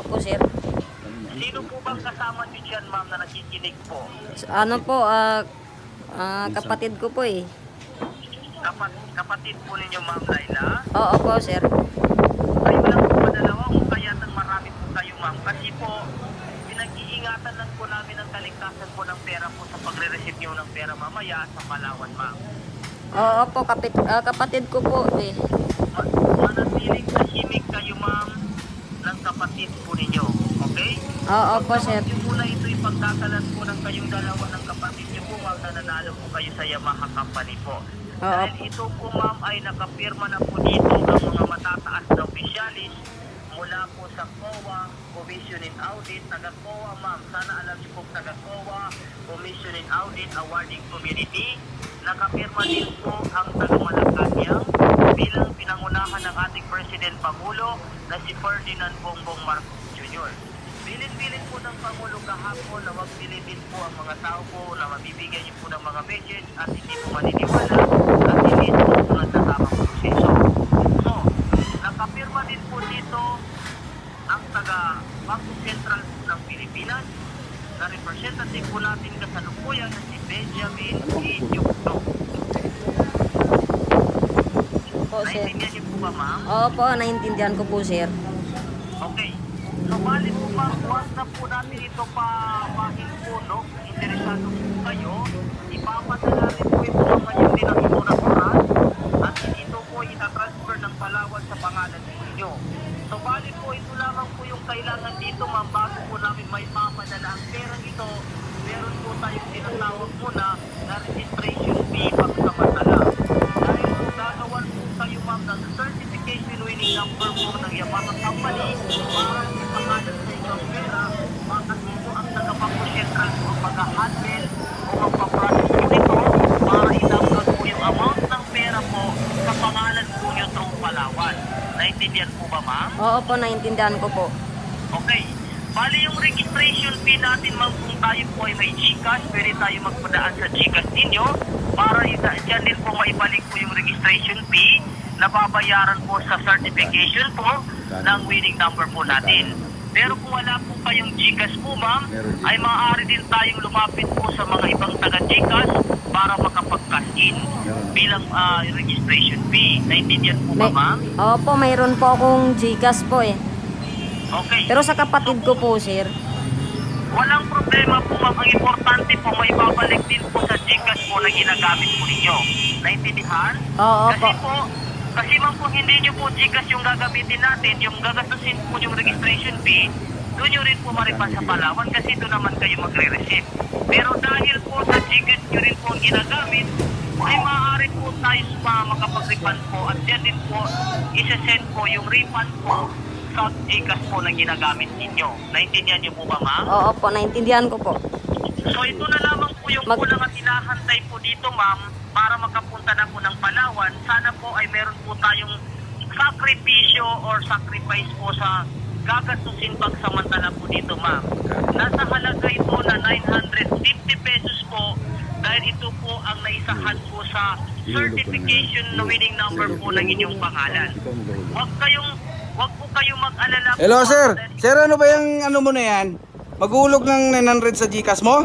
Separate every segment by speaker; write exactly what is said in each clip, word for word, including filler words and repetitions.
Speaker 1: po, sir.
Speaker 2: Sino po bang kasama niyo dyan, ma'am, na nakikinig po?
Speaker 1: Ano po, ah, ah, kapatid ko po eh.
Speaker 2: Kapat kapatid po ninyo, ma'am Laila?
Speaker 1: Oo po, sir.
Speaker 2: Kayo lang po ba dalawa o kaya nang marami po kayo, ma'am? Kasi po, pinag-iingatan lang po namin ang kaligtasan po ng pera po sa pagre-receive niyo ng pera mamaya sa Palawan, ma'am.
Speaker 1: Oo po, kapit, ah, kapatid ko po eh.
Speaker 2: Ma- manatiling tahimik kayo, ma'am, ng kapatid po ninyo. Okay?
Speaker 1: Oo po, sir.
Speaker 2: Huwag niyo muna ito ipagkakalat po ng kayong dalawa ng kapatid niyo po, ma'am, na nanalo po kayo sa Yamaha Company po.
Speaker 1: Oo.
Speaker 2: Dahil ito po, ma'am, ay nakapirma na po dito ang mga matataas na opisyalis mula po sa C O A, Commission in Audit, taga-C O A, ma'am. Sana alam niyo po, taga-C O A, Commission in Audit, Awarding Community. Nakapirma din po ang taga-Malacanang bilang pinangunahan ng ating President Pangulo na si Ferdinand Bongbong Marcos Junior Bilin-bilin po ng Pangulo kahapon na wag bilibin po ang mga tao po na mabibigyan niyo po ng mga message at hindi po maniniwala at hindi ito sunod sa tamang proseso. So, nakapirma din po dito ang taga Bangko Sentral po ng Pilipinas na representative po natin kasalukuyan na si Benjamin E. Diokno.
Speaker 1: Po, sir.
Speaker 2: Naintindihan niyo po ba, ma'am?
Speaker 1: Oo po, naintindihan ko po, sir.
Speaker 2: Okay. So, bali po ma'am, huwag na po natin ito pa pahin po, no? Interesado po kayo. Ipapadala rin po ito ang kanyang dinakituran oras at ito po itatransfer ng Palawan sa pangalan ninyo. So, bali po ito lamang po yung kailangan dito, ma'am, bago po namin may papadala ang perang ito. Meron po tayong tinatawag muna na registration fee pagsamantala. Dahil po gagawan po kayo, ma'am, ng certification winning number po ng Yamaha Company para ipangalan sa inyo ang pera, makasi po ang taga-Bangko Sentral po ang mag-handle o magpaprocess po nito para i-download po yung amount ng pera po sa pangalan po nyo through Palawan. Naintindihan po ba, ma'am?
Speaker 1: Oo po, naintindihan ko po.
Speaker 2: Okay. Bali yung registration fee natin, ma'am, kung tayo po ay may GCash, pwede tayo magpadaan sa GCash ninyo para dyan din po maibalik po yung registration fee na babayaran po sa certification po ng winning number po natin. Pero kung wala po kayong GCash po, ma'am, ay maaari din tayong lumapit po sa mga ibang taga-GCash para makapag-cash in bilang uh, registration fee. Naintindihan po ba,
Speaker 1: May,
Speaker 2: ma'am?
Speaker 1: oo po, mayroon po akong Gcash po eh.
Speaker 2: Okay.
Speaker 1: Pero sa kapatid ko po, sir.
Speaker 2: Walang problema po, ma'am. Ang importante po, may babalik din po sa GCash po na ginagamit po ninyo. Naintindihan?
Speaker 1: Oo
Speaker 2: Kasi
Speaker 1: po.
Speaker 2: po, kasi ma'am, kung hindi nyo po GCash yung gagamitin natin, yung gagastusin po yung registration fee, doon nyo rin po maripan sa Palawan kasi doon naman kayo magre-receive. Pero dahil po sa GCash nyo rin po ang ginagamit, ay maaari po tayo sa makapag-refund po at yan din po, isa-send po yung refund po sa GCash po na ginagamit ninyo. Naintindihan nyo po ba, ma'am?
Speaker 1: Oo po, naintindihan ko po.
Speaker 2: So ito na lamang po yung
Speaker 1: Mag-
Speaker 2: kulang at hinahantay po dito, ma'am, para makapunta na po ng Palawan. Sana po ay meron po tayong sakripisyo or sacrifice po sa gagastusin pagsamantala po dito, ma'am. Nasa halaga ito na nine hundred fifty pesos po dahil ito po ang naisahan po sa certification na winning number po ng inyong pangalan. Huwag kayong, huwag po kayong mag-alala po.
Speaker 3: Hello,
Speaker 2: ma'am,
Speaker 3: sir.
Speaker 2: dahil-
Speaker 3: Sir, ano ba yung ano mo na yan? Maghulog ng nine hundred sa GCash mo?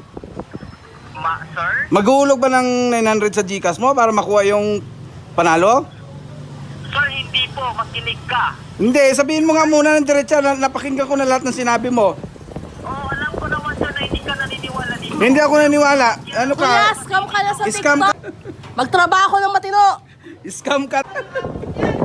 Speaker 2: Ma, sir?
Speaker 3: Maghulog ba ng nine hundred sa GCash mo para makuha yung panalo?
Speaker 2: Sir, hindi po. Makinig ka.
Speaker 3: Hindi, sabihin mo nga muna ng diretsa na napakinggan ko na lahat ng sinabi mo.
Speaker 2: Oh, alam ko naman, sir, na hindi ka naniniwala dito.
Speaker 3: Hindi ako naniwala. Ano ka?
Speaker 4: Kuya, scam ka na sa
Speaker 3: Scam
Speaker 4: TikTok. Magtrabaho ng matino.
Speaker 3: Scam ka.